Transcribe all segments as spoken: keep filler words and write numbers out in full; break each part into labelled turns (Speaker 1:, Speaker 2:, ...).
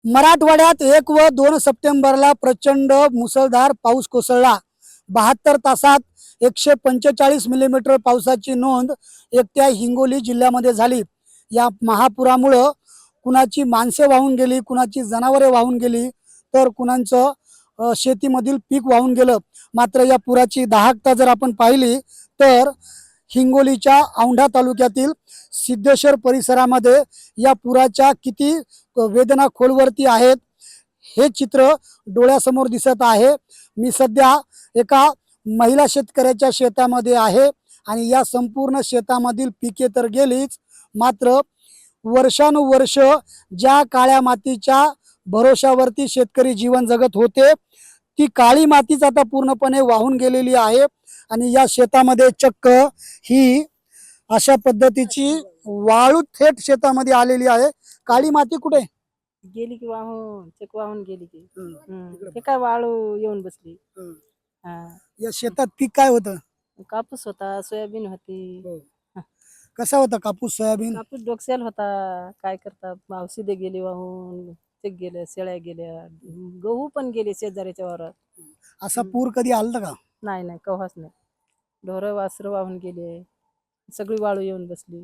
Speaker 1: मराठवाड्यात एक व दोन सप्टेंबरला प्रचंड मुसळधार पाऊस कोसळला. बहात्तर तासात एकशे पंचेचाळीस मिलीमीटर पावसाची नोंद एकट्या हिंगोली जिल्ह्यामध्ये झाली. या महापुरामुळं कुणाची माणसे वाहून गेली, कुणाची जनावरे वाहून गेली, तर कुणाचं अ, शेतीमधील पीक वाहून गेलं. मात्र या पुराची दाहकता जर आपण पाहिली तर हिंगोलीच्या औंढा तालुक्यातील सिद्धेश्वर परिसरामध्ये या पुराच्या किती वेदना खोलवरती आहेत हे चित्र डोळ्यासमोर दिसत आहे. मी सध्या एका महिला शेतकऱ्याच्या शेतामध्ये आहे आणि या संपूर्ण शेतामधील पिके तर गेलीच, मात्र वर्षानुवर्ष ज्या काळ्या मातीच्या भरोशावरती शेतकरी जीवन जगत होते ती काळी मातीच आता पूर्णपणे वाहून गेलेली आहे. आणि या शेतामध्ये चक्क ही अशा पद्धतीची वाळू थेट शेतामध्ये आलेली आहे. काळी माती कुठे
Speaker 2: गेली की वाहून चक वाहून गेली की हम्म. ते काय वाळू येऊन बसली. हा
Speaker 1: या शेतात पीक काय होतं?
Speaker 2: कापूस होता, सोयाबीन होती.
Speaker 1: कसा होता कापूस सोयाबीन?
Speaker 2: कापूस डोक्याला होता. काय करतात, औषधे गेली वाहून, ते गेल्या, शेळ्या गेल्या, गहू पण गेले शेजाऱ्याच्या वावरात.
Speaker 1: असा पूर कधी आलता का?
Speaker 2: नाही नाही कव्हाच नाही. ढोरं वासरं वाहून गेले, सगळी वाळू येऊन बसली.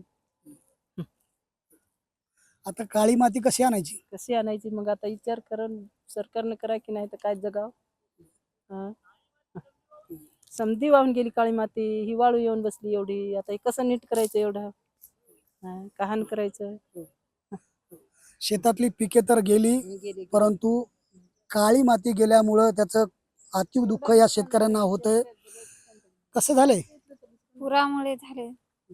Speaker 1: आता काळी माती कशी आणायची?
Speaker 2: कशी आणायची मग? आता विचार करून सरकारने करा की नाही तर काय जगाव. हा समधी वाहून गेली काळी माती, ही वाळू येऊन बसली एवढी. आता हे कसं नीट करायचं एवढं? हा, कहाण करायचं.
Speaker 1: शेतातली पिके तर गेली, परंतु काळी माती गेल्यामुळं त्याचं अतीव दुःख या शेतकऱ्यांना होतंय. कसं झालंय?
Speaker 3: पुरामुळे झाले.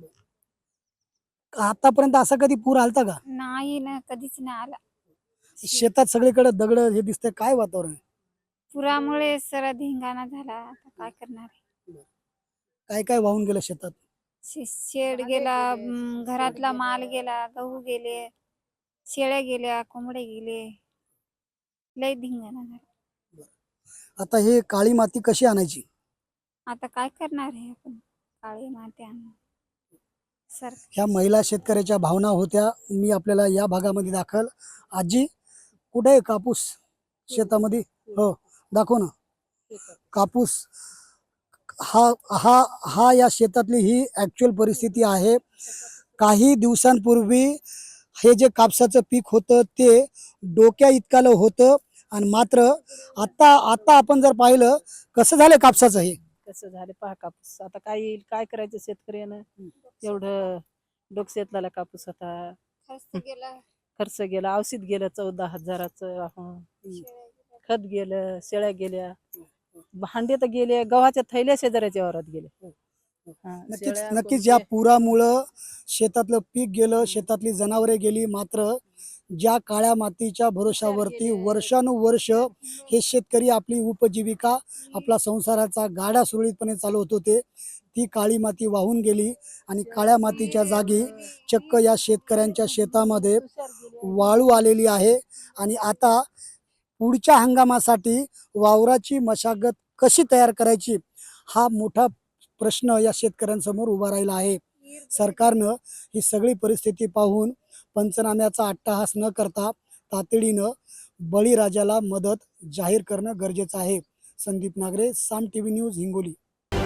Speaker 1: आतापर्यंत असा कधी पूर आलता का?
Speaker 3: नाही ना, कधीच नाही आला.
Speaker 1: शेतात सगळीकडे दगड हे दिसतंय, काय वातावरण आहे?
Speaker 3: पुरामुळे सर धिंगाणा झाला. आता काय करणार आहे?
Speaker 1: काय काय वाहून गेलं शेतात?
Speaker 3: शे- शेड गेला, म, घरातला माल गेला, गहू गेले, शेळ्या गेल्या, कोंबडे गेले, लय धिंगाणा झाला.
Speaker 1: आता हे काळी माती कशी आणायची?
Speaker 3: आता काय करणार आहे आपण? काळी माती आणून सर
Speaker 1: ह्या महिला शेतकऱ्याच्या भावना होत्या. मी आपल्याला या भागामध्ये दाखल. आजी, कुठे आहे कापूस शेतामध्ये? हो दाखव ना. कापूस हा हा हा या शेतातली ही ॲक्च्युअल परिस्थिती आहे. काही दिवसांपूर्वी हे जे कापसाचं पीक होतं ते डोक्या इतकालं होतं आणि मात्र आता आता आपण जर पाहिलं कसं झालं कापसाचं हे.
Speaker 2: कसं झालं पहा कापूस. आता काय येईल, काय करायचं शेतकऱ्यानं? एवढं डोक्यातला कापूस होता,
Speaker 3: खर्च गेला,
Speaker 2: खर्च गेला, औषध गेलं चौदा हजाराचं वाहून, खत गेलं, शेळ्या गेल्या, भांडे तर गेले, गव्हाच्या थैल्या शेजाऱ्याच्या वावरात गेले. हा,
Speaker 1: नक्कीच
Speaker 2: शेळ्या,
Speaker 1: नक्कीच या
Speaker 2: कोंबडे.
Speaker 1: पुरामुळं शेतातलं पीक गेलं, शेतातली जनावरे गेली. मात्र ज्या काळ्या मातीच्या भरोशावरती वर्षानुवर्ष हे शेतकरी आपली उपजीविका, आपला संसाराचा गाडा सुरळीतपणे चालवत होते, ती काळी माती वाहून गेली. आणि काळ्या मातीच्या जागी चक्क या शेतकऱ्यांच्या शेतामध्ये वाळू आलेली आहे. आणि आता पुढच्या हंगामासाठी वावराची मशागत कशी तयार करायची हा मोठा प्रश्न या शेतकऱ्यांसमोर उभा राहिला आहे. सरकारनं ही सगळी परिस्थिती पाहून पंचनाम्याचा अट्टहास न करता तातडीनं बळीराजाला मदत जाहीर करणं गरजेचं आहे. Sandeep Nagare, Saam TV news, Hingoli.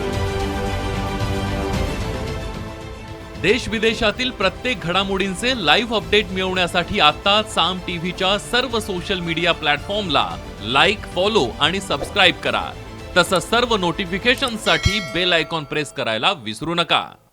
Speaker 4: देश विदेशातील प्रत्येक घडामोडींचे लाईव्ह अपडेट मिळवण्यासाठी आता साम टीव्हीच्या सर्व सोशल मीडिया प्लॅटफॉर्मला लाईक, फॉलो आणि सबस्क्राईब करा. तसंच सर्व नोटिफिकेशनसाठी बेल आयकॉन प्रेस करायला विसरू नका.